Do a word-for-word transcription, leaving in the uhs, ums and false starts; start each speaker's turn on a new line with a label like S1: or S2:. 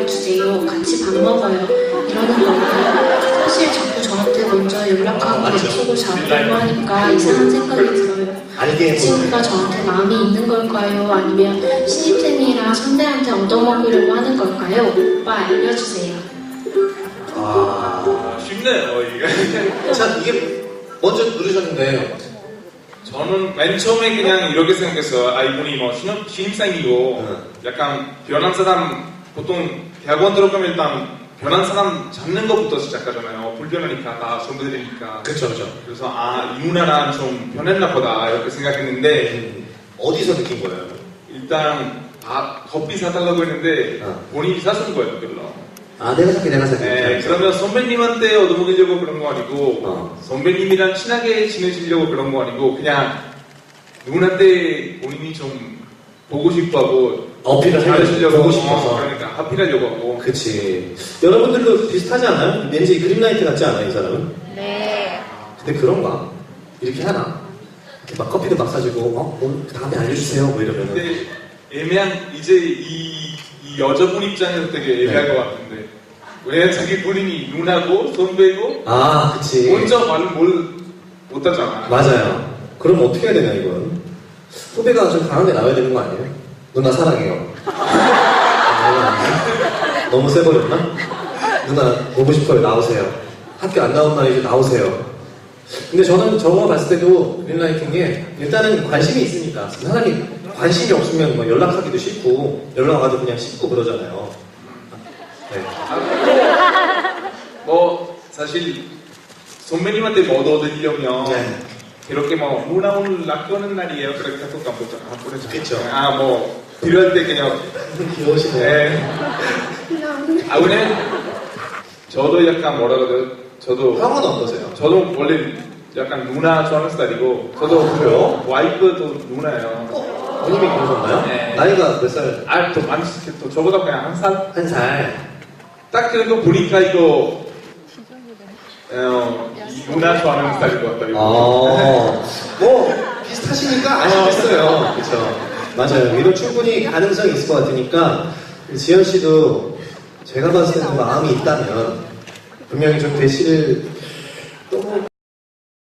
S1: 알려주세요. 같이 밥 먹어요. 이러는 건데 사실 자꾸 저한테 먼저 연락하고
S2: 아,
S1: 약속을 잡으려고 하니까 이상한 생각이 들어요.
S2: 알게
S1: 이 친구가 저한테 마음이 있는 걸까요? 아니면 신입생이라 선배한테 얻어먹으려고 하는 걸까요? 오빠 알려주세요.
S2: 아,
S3: 쉽네요 이게.
S2: 자, 이게 먼저 누르셨는데
S3: 저는 맨 처음에 그냥 이렇게 생각했어요. 아, 이분이 뭐 신입, 신입생이고
S2: 응.
S3: 약간 변한 사람, 보통 대학원 들어가면 일단 변한 사람 잡는 것부터 시작하잖아요. 불변하니까 다 선배들이니까.
S2: 그쵸 그쵸.
S3: 그래서 아, 이 누나랑 좀 변했나 보다 이렇게 생각했는데
S2: 음, 어디서 느낀 거예요?
S3: 일단 아, 커피 사달라고 했는데
S2: 어.
S3: 본인이 사준 거예요, 별로.
S2: 아, 내가 살게 내가 살게.
S3: 네, 그러면 선배님한테 얻어먹으려고 그런 거 아니고
S2: 어.
S3: 선배님이랑 친하게 지내시려고 그런 거 아니고 그냥 누군한테 본인이 좀 보고 싶어하고
S2: 어필을
S3: 잘하시려고
S2: 보고 싶어서.
S3: 어, 그러니까 하필하려고 하고.
S2: 그치. 여러분들도 비슷하지 않아요? 왠지 그린라이트 같지 않아요, 이 사람은?
S1: 네.
S2: 근데 그런가? 이렇게 하나? 이렇게 막 커피도 막 사주고, 어? 오늘 다음에 알려주세요. 뭐 이러면은.
S3: 근데 애매한 이제 이, 이 여자분 입장에서 되게 애매할
S2: 네.
S3: 것 같은데 왜 자기 본인이 누나고 선배고
S2: 아, 그치.
S3: 먼저 말을 뭘 못하잖아.
S2: 맞아요. 그럼 어떻게 해야 되냐, 이건? 후배가 좀 강하게 나와야 되는 거 아니에요? 누나 사랑해요. 아, 너무 세버렸나? 누나 보고 싶어요. 나오세요. 학교 안 나온 날 이제 나오세요. 근데 저는 저거 봤을 때도 그린라이트인 게 일단은 관심이 있으니까 사람이 관심이 없으면 뭐 연락하기도 싫고 연락 와도 그냥 씹고 그러잖아요. 네.
S3: 뭐 사실 선배님한테 뭐 얻어드리려면
S2: 네.
S3: 이렇게 뭐 누나 오늘 학교하는 날이에요. 그렇게 해서 깜빡 안 보내죠.
S2: 그쵸.
S3: 아뭐 필요할 때 그냥
S2: 귀여우시네요.
S3: 네. 아 근데 저도 약간 뭐라 그래요? 저도
S2: 형은 어떠세요?
S3: 저도 원래 약간 누나 좋아하는 스타일이고 저도
S2: 아, 그래요?
S3: 와이프도 누나예요.
S2: 어? 본인이 그러셨나요?
S3: 네.
S2: 나이가 몇 살?
S3: 아더 많이 더 저보다 그냥 한 살.
S2: 한 살.
S3: 딱 그래도 보니까 이거 어, 이 누나 좋아하는 스타일인 것 같다. 이거.
S2: 어, 뭐 비슷하시니까 아시겠어요. 그렇죠. 맞아요. 이런 충분히 가능성이 있을 것 같으니까 지현 씨도 제가 봤을 때는 마음이 있다면 분명히 좀 대시를 너무